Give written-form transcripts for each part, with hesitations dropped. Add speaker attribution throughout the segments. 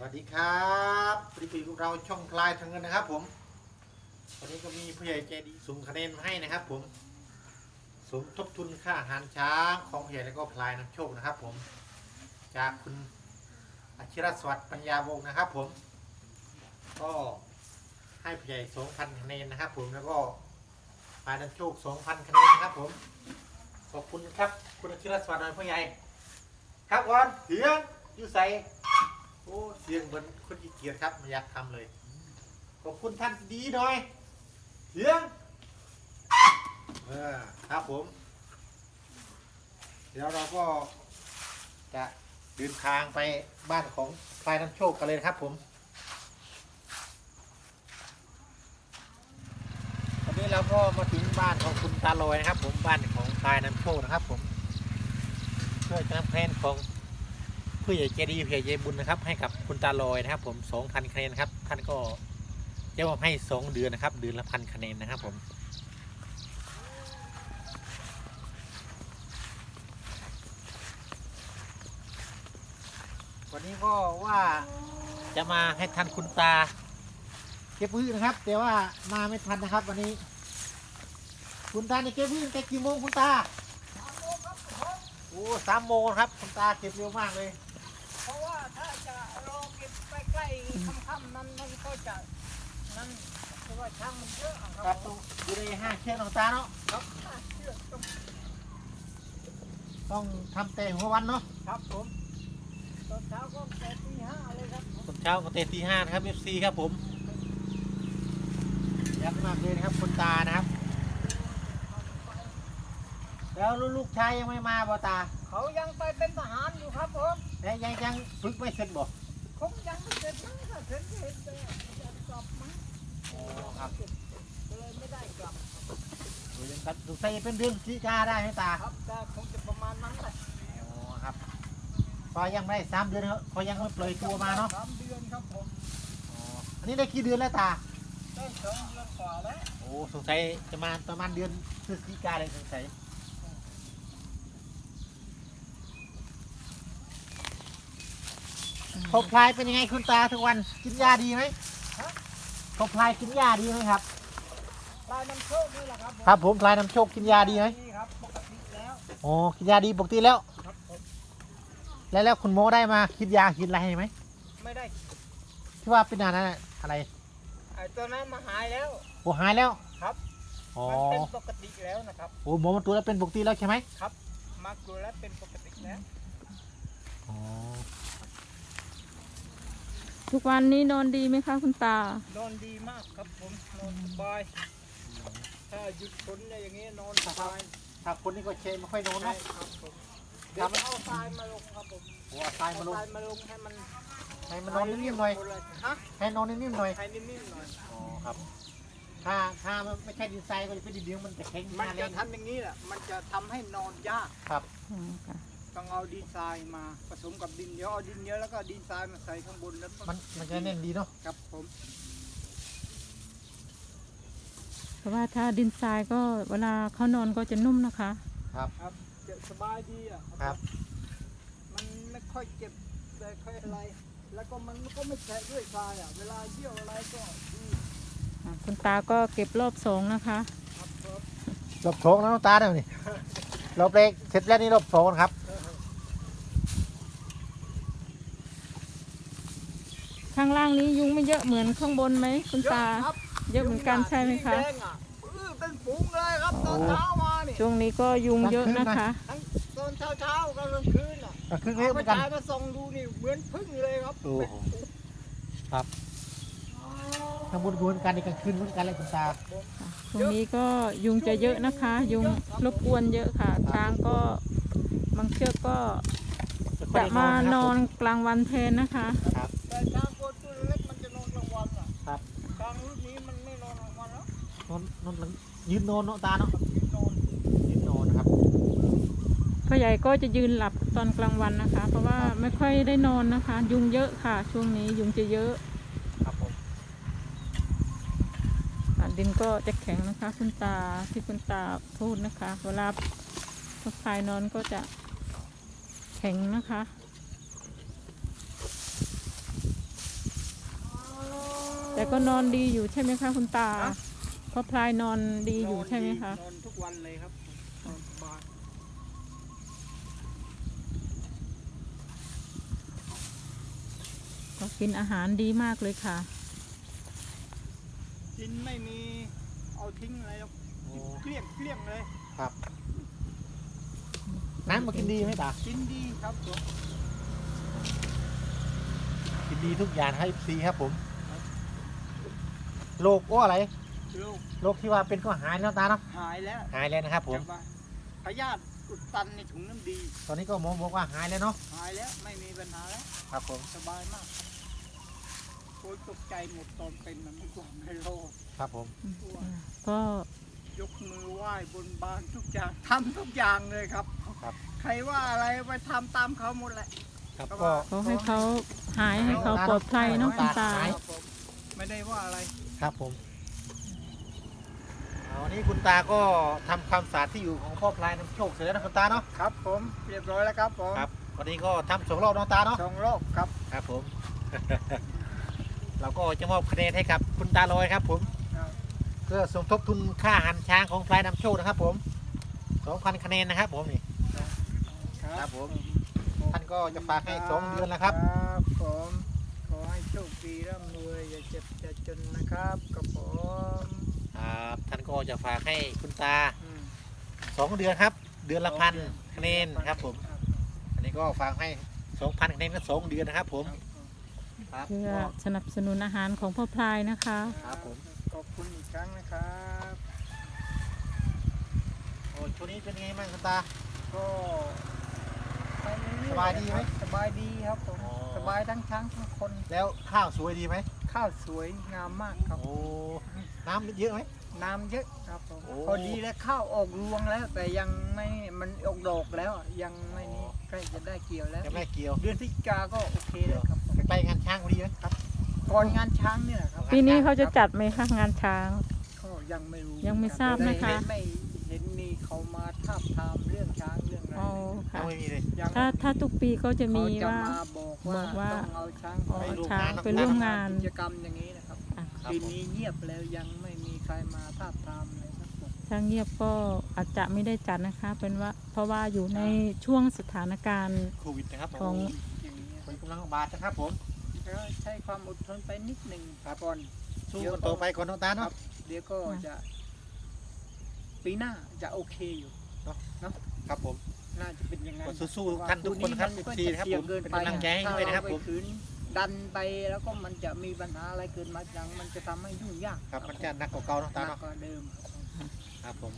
Speaker 1: วัสดีครับปริปีพวกเราช่องพลายทางเงินนะครับผมวันนี้ก็มีผู้ใหญ่ใจดีส่งคะแนนมาให้นะครับผมสมทบทุนค่าอาหารช้างของผู้ใหญ่แล้วก็พลายน้ำโชคนะครับผมจากคุณอาชิรสวัสดิ์ปัญญาวงศ์นะครับผมก็ให้ผู้ใหญ่ 2,000 คะแนนนะครับผมแล้วก็พลายน้ำโชค 2,000 คะแนนนะครับผมขอบคุณครับคุณอาชิรสวัสดิ์หน่อยผู้ใหญ่ครับก่อนเสียงอยู่ใส่โอ้เสียงเหมือนคนขี้เกียจครับไม่อยากทำเลยขอบคุณท่านดีหน่อยเสียงครับผมเดี๋ยวเราก็จะเดินทางไปบ้านของพลายน้ำโชคกันเลยครับผมตอนนี้เราก็มาถึงบ้านของคุณตาลอยนะครับผมบ้านของพลายน้ำโชคนะครับผมเพื่อจะนำคะแนนของผู้ใหญ่ใจดีผู้ใหญ่ใจบุญนะครับให้กับคุณตาลอยนะครับผม 2,000 คะแนนครับท่านก็จะมอบให้2 เดือนนะครับเดือนละ1,000 คะแนนนะครับผมวันนี้ก็ว่าจะมาให้ทันคุณตาเก็บพืชนะครับแต่ว่ามาไม่ทันนะครับวันนี้คุณตาเนี่ยเก็บพืชแต่กี่โมงคุณตาโอ้3 โมงครับคุณตาเก็บเร็วมากเลย
Speaker 2: เพราะว่าถ้าจะรอเก็บใกล้ๆค่ำๆนั้นมันก็จะนั่นเพราะว่าช่างมันเยอะ
Speaker 1: ครับต้องอยู่ใน5 เชือกของตาเนาะ
Speaker 2: ครับเชือก
Speaker 1: ต้องทำแต่หัววันเนาะ
Speaker 2: ครับผมตอนเช้าก็แต่ตี 5เลยครับ
Speaker 1: ตอนเช้าก็แต่ตี 5นะครับ FC ครับผมยักมากเลยนะครับคุณตานะครับแล้วลูกชายยังไม่มาบ่ตา
Speaker 2: เขายังไปเป็นทหารอยู่ครับผม
Speaker 1: แล้วยังฝึกไม่เสร็จบ่
Speaker 2: คงยังไม่เสร็จนะถ้าเสร็จเห็นจะกลับมั้ง
Speaker 1: โอ้ครับ
Speaker 2: เลยไม่ได้กลับ
Speaker 1: ยังตัดดูใส่เป็นเดือนพฤศจิกาได้ไหมตา
Speaker 2: ครับแต่คงจะประมาณนั้นแหละ
Speaker 1: โอ้ครับพอยังไม่ได้3 เดือนเขายังไม่ปล่อยตัวมาเนาะ
Speaker 2: 3 เดือนครับผม
Speaker 1: อันนี้ได้กี่เดือนแล้วตา
Speaker 2: ได้2 เดือนกว่าแล้ว
Speaker 1: โอ้สงสัยจะมาประมาณเดือนพฤศจิกาเลยสงสัยพบพลายเป็นยังไงคุณตาทุกวันกินยาดีไหมพบพลายกินยาดีไหมครับ
Speaker 2: พลายน้ำโชคนี่แหละครับ
Speaker 1: ครับผมพลายน้ำโชคกินยาดีไหม
Speaker 2: ครับปกติแล้ว
Speaker 1: โอ้กินยาดีปกติแล้ว
Speaker 2: ครับผม
Speaker 1: แล้วคุณหมอได้มาคิดยาคิดอะไรให้ไหม
Speaker 2: ไม่ได้
Speaker 1: ที่ว่าเป็นอะไร
Speaker 2: ไอ้ตัวนั้นมาหายแล้ว
Speaker 1: โอ้หายแล้ว
Speaker 2: ครับมันเป็นปกติแล้วนะครับ
Speaker 1: โอ้หมอมาตรวจแล้วเป็นปกติแล้วใช่ไหม
Speaker 2: ครับมาตรวจแล้วเป็นปกติแล้ว
Speaker 1: อ๋อ
Speaker 3: ทุกวันนี้นอนดีไหมคะคุณต
Speaker 2: านอนดีมากครับผมนอนสบายถ้าหยุดฝนอย่างนี้นอนสบาย
Speaker 1: ถ้าคนนี้ก็เชนไม่ค่อยนอนนะครับ
Speaker 2: ผมเดี๋ยวเอาทรายมาลงครับผม
Speaker 1: โอ้ทรายมาลง
Speaker 2: ให้มัน
Speaker 1: นอนนิ่มๆหน่อยให้นอนนิ่มๆหน่อย
Speaker 2: ให้นิ่มๆหน่อย
Speaker 1: อ๋อครับถ้าไม่ใช่ดินทรายก็จะเป็นดินเหนียวมันจะแข็ง
Speaker 2: มันจะทำอย่างนี้แหละมันจะทำให้นอนยาก
Speaker 1: ครับ
Speaker 2: ต้องเอาดินทรายมาผสมกับดินเยอะเอาดินเยอะแล้วก็ดินทรายมาใส่ข้างบนแล้ว
Speaker 1: มันจะแน่นดีเนาะ
Speaker 2: ครับผม
Speaker 3: เพราะว่าถ้าดินทรายก็เวลาเขานอนก็จะนุ่มนะคะ
Speaker 1: ครับ
Speaker 2: จะสบายดีอ่ะ
Speaker 1: ครับ
Speaker 2: มันไม่ค่อยเจ็บแต่ค่อยอะไรแล้วก็มันก็ไม่แฉะด้วยทรายอ่ะเวลาเยี่ยวอะไรก็ดี
Speaker 3: คุณตาก็เก็บรอบ2นะคะ
Speaker 1: รอบ2แล้วตาเนี่ยนี่รอบแรกเสร็จแล้วนี่รอบ2ครับ
Speaker 3: ข้างล่างนี้ยุงไม่เยอะเหมือนข้างบนไหมคุณตาเยอะเหมือนกันใช่ไหมคะ
Speaker 2: เป็นฝูงเลยครับตอนเช้ามานี่
Speaker 3: ช่วงนี้ก็ยุงเยอะนะคะ
Speaker 2: ตอนเช้ากับกลางคืนอ่ะ
Speaker 1: คืนเหมือนกัน
Speaker 2: มาส่องดูนี่เหมือนพึ่งเลยครับ
Speaker 1: โอ้ครับทางบนเหมือนกันในกลางคืนเหมือนกันเลยคุณตา
Speaker 3: ตรงนี้ก็ยุงจะเยอะนะคะ ยุงรบกวนเยอะค่ะช้างก็บางเชือกก็จะมานอนกลางวันแทนนะคะ
Speaker 2: แต่ช้างตัวเล็กมันจะนอนกลางวันอ่ะครับช้างรุ่นนี้มันไม่นอนกลางวันแล้ว
Speaker 1: นอนยืนนอนเนาะตาเนาะยืนนอนครับ
Speaker 3: พ่อใหญ่ก็จะยืนหลับตอนกลางวันนะคะ เพราะว่าไม่ค่อยได้นอนนะคะ ยุงเยอะค่ะช่วงนี้ยุงจะเยอะ
Speaker 1: ครับผม
Speaker 3: ดินก็จะแข็งนะคะคุณตาที่คุณตาพูดนะคะเวลาพอพายนอนก็จะแข็งนะคะแต่ก็นอนดีอยู่ใช่ไหมคะคุณตา
Speaker 2: ฮะ
Speaker 3: เพราะพลายนอนดีอยู่ใช่ไหมคะ
Speaker 2: นอนทุกวันเลยครับนอนสบาย
Speaker 3: ก็กินอาหารดีมากเลยค่ะ
Speaker 2: กินไม่มีเอาทิ้งอะไรหรอก
Speaker 1: โอ้
Speaker 2: เกลี้ยงเลย
Speaker 1: ครับ น้ำมากินดีไหมตา
Speaker 2: กินดีครับผม
Speaker 1: กินดีทุกอย่างให้ซีครับผมโรคอะไร
Speaker 2: ลูก
Speaker 1: โรคที่ว่าเป็นก็หายแล้วตาเนาะ
Speaker 2: หายแล้ว
Speaker 1: หายแล้วนะครับผม
Speaker 2: แต่ว่าพยาธิอุดตันในถุงน้ำดี
Speaker 1: ตอนนี้ก็หมอบอกว่าหายแล้วเนาะ
Speaker 2: หายแล้วไม่มีปัญหาแล้ว
Speaker 1: ครับผม
Speaker 2: สบายมากครับโอ้ยตกใจหมดตอนเป็นมันไม่กลัวไม่โรค
Speaker 1: ครับผม
Speaker 3: ก็
Speaker 2: ยกมือไหว้บนบานทุกอย่างทำทุกอย่างเลยครับ
Speaker 1: ครับ
Speaker 2: ใครว่าอะไรไปทำตามเขาหมดแหละ
Speaker 1: ครับ
Speaker 2: ครับ
Speaker 1: ก็
Speaker 3: ขอให้เขาหายให้เขาปลอดภัยเนาะคุณตา
Speaker 2: ครับผมไม่ได้ว่าอะไร
Speaker 1: ครับผมวันนี้คุณตาก็ทำความสะอาดที่อยู่ของพ่อพลายน้ำโชคเสร็จแล้วนะคุณตาเนาะ
Speaker 2: ครับผมเรียบร้อยแล้วครับผม
Speaker 1: ครับวันนี้ก็ทำ2 รอบเนาะตาเนาะ
Speaker 2: สองโรคครับ
Speaker 1: ครับผม เราก็จะมอบคะแนนให้กับคุณตาลอยครับผม
Speaker 2: ครับ
Speaker 1: เพื่อสมทบทุนค่าอาหารช้างของพลายน้ำโชคนะครับผม 2,000 คะแนนนะครับผมนี่ ครับผม ท่านก็จะฝากให้2 เดือนแล้วครับ
Speaker 2: ครับผมขอให้โชคดีร่ำรวยอย่าเจ็บอย่าจนนะครับกับผม
Speaker 1: ครับท่านก็จะฝากให้คุณตา
Speaker 2: อืม
Speaker 1: 2 เดือนครับ เดือนละ1,000 คะแนนครับผม อันนี้ก็ฝากให้ 2,000 คะแนนก็2 เดือนนะครับผม ครับ
Speaker 3: เพื่อสนับสนุนอาหารของพ่อพลายนะคะ
Speaker 1: ครับผม
Speaker 2: ขอบคุณอีกครั้งนะครับ
Speaker 1: โอ้ช่วงนี้เป็นไงบ้างคุณตา
Speaker 2: ก็ไปเรื่อๆ
Speaker 1: สบายดีไหม
Speaker 2: สบายดีครับผม
Speaker 1: อ๋อ
Speaker 2: สบายทั้งช้างทั้งคน
Speaker 1: แล้วข้าวสวยดีไหม
Speaker 2: ข้าวสวยงามมากครับ
Speaker 1: โอ้ น้ำเยอะไหม
Speaker 2: น้ำเยอะครับผม
Speaker 1: โอ้
Speaker 2: พอดีแล้วข้าวออกรวงแล้ว แต่ยังไม่มันออกดอกแล้วยังไม่นี่ใกล้จะได้เกี่ยวแล้ว
Speaker 1: ยังไม่เกี่ยว
Speaker 2: เดือนพฤศจิกาก็โอเคแล้วครับผม
Speaker 1: ใกล้ๆงานช้างพอดีไหม
Speaker 2: ก่อนงานช้างเนี่ยครับ
Speaker 3: ปีนี้เขาจะจัดไหมคะงานช้าง
Speaker 2: ก็ยังไม่รู้
Speaker 3: ยังไม่ทราบนะคะ
Speaker 2: ไม่เห็นมีเขามาทาบทามเรื่องช้างเรื่องอะไร
Speaker 3: อ๋อ
Speaker 1: ยั
Speaker 3: ค่ะ
Speaker 1: งไม่มีเลย
Speaker 2: ยัง
Speaker 3: ถ้าทุกปีก็จะมี
Speaker 2: เขาจะ
Speaker 3: ว่า
Speaker 2: มาบอกว่า
Speaker 3: บอกว่า
Speaker 2: ต้องเอาช้าง
Speaker 3: อ๋อ
Speaker 2: ไป
Speaker 3: ช้างไปร่วมงาน
Speaker 2: กิจกรรมอย่างนี้นะครับ
Speaker 3: อ่ะ
Speaker 1: ครับ
Speaker 2: ปี
Speaker 1: ผม
Speaker 2: นี้เงียบแล้วยังไม่มีใครมาทาบทามเลยครับผม
Speaker 3: ถ้าเงียบก็อาจจะไม่ได้จัดนะคะ เป็นว่าเพราะว่าอยู่ในช่วงสถานการณ์
Speaker 1: โควิดนะครับ
Speaker 3: ของ
Speaker 2: อย่างนี้
Speaker 1: เป็นกำลังบาดนะครับผม
Speaker 2: ก็ใช้ความอดทนไปนิดหนึ่งก่อน
Speaker 1: สู้กันต่อไปก่อนน้องตา
Speaker 2: ครั
Speaker 1: เนาะ
Speaker 2: บ เดี๋ยวก็จะปีหน้าจะโอเคอยู่
Speaker 1: ครับผม
Speaker 2: น่าจะเป็นอยังไง
Speaker 1: ก็สู้ๆท่านทุกคนนะครับ
Speaker 2: มัก็
Speaker 1: FC นะครับผม
Speaker 2: เสี่ยง
Speaker 1: เป็นกำลังใจให้ด้วยนะครับผม
Speaker 2: ถ้าเาไปขืนดันไปแล้วก็มันจะมีปัญหาอะไรเกิดมาอย่างมันจะทำให้ยุ่งยาก
Speaker 1: ครับมันจะหนักกว่าเก่าน้องตา
Speaker 2: หนัก
Speaker 1: เนาะ
Speaker 2: กว่าเดิมครับผม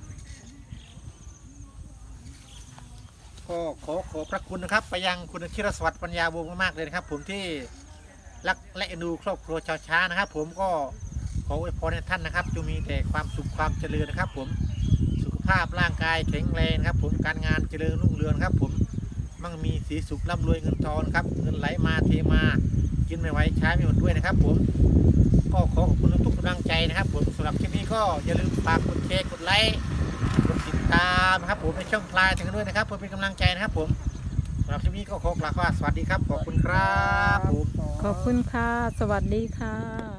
Speaker 1: ครับผมก็ขอพระคุณนะครับ ไปยังคุณชิรสวัสดิ์ปัญญาวงศ์มากๆเลยนะครับ ผมที่รักและเอ็นดูครอบครัวชาวช้างนะครับ ผมก็ขออวยพรให้ท่านนะครับจงมีแต่ความสุขความเจริญนะครับ ผมสุขภาพร่างกายแข็งแรงนะครับ ผมการงานเจริญรุ่งเรืองครับ ผมมั่งมีสีสุขร่ำรวยเงินทองครับเงินไหลมาเทมากินไม่ไหวใช้ไม่หมดด้วยนะครับ ผมก็ขอขอบคุณทุกกำลังใจนะครับ ผมสำหรับคลิปนี้ก็อย่าลืมฝากกดแชร์กดไลค์กดติดตามนะครับ ผมในช่องพลายถึงกันด้วยนะครับเพื่อเป็นกำลังใจนะครับ ผมสำหรับคลิปนี้ก็ขอกล่าวว่าสวัสดีครับขอบคุณครับผม
Speaker 3: ขอบคุณค่ะ สวัสดีค่ะ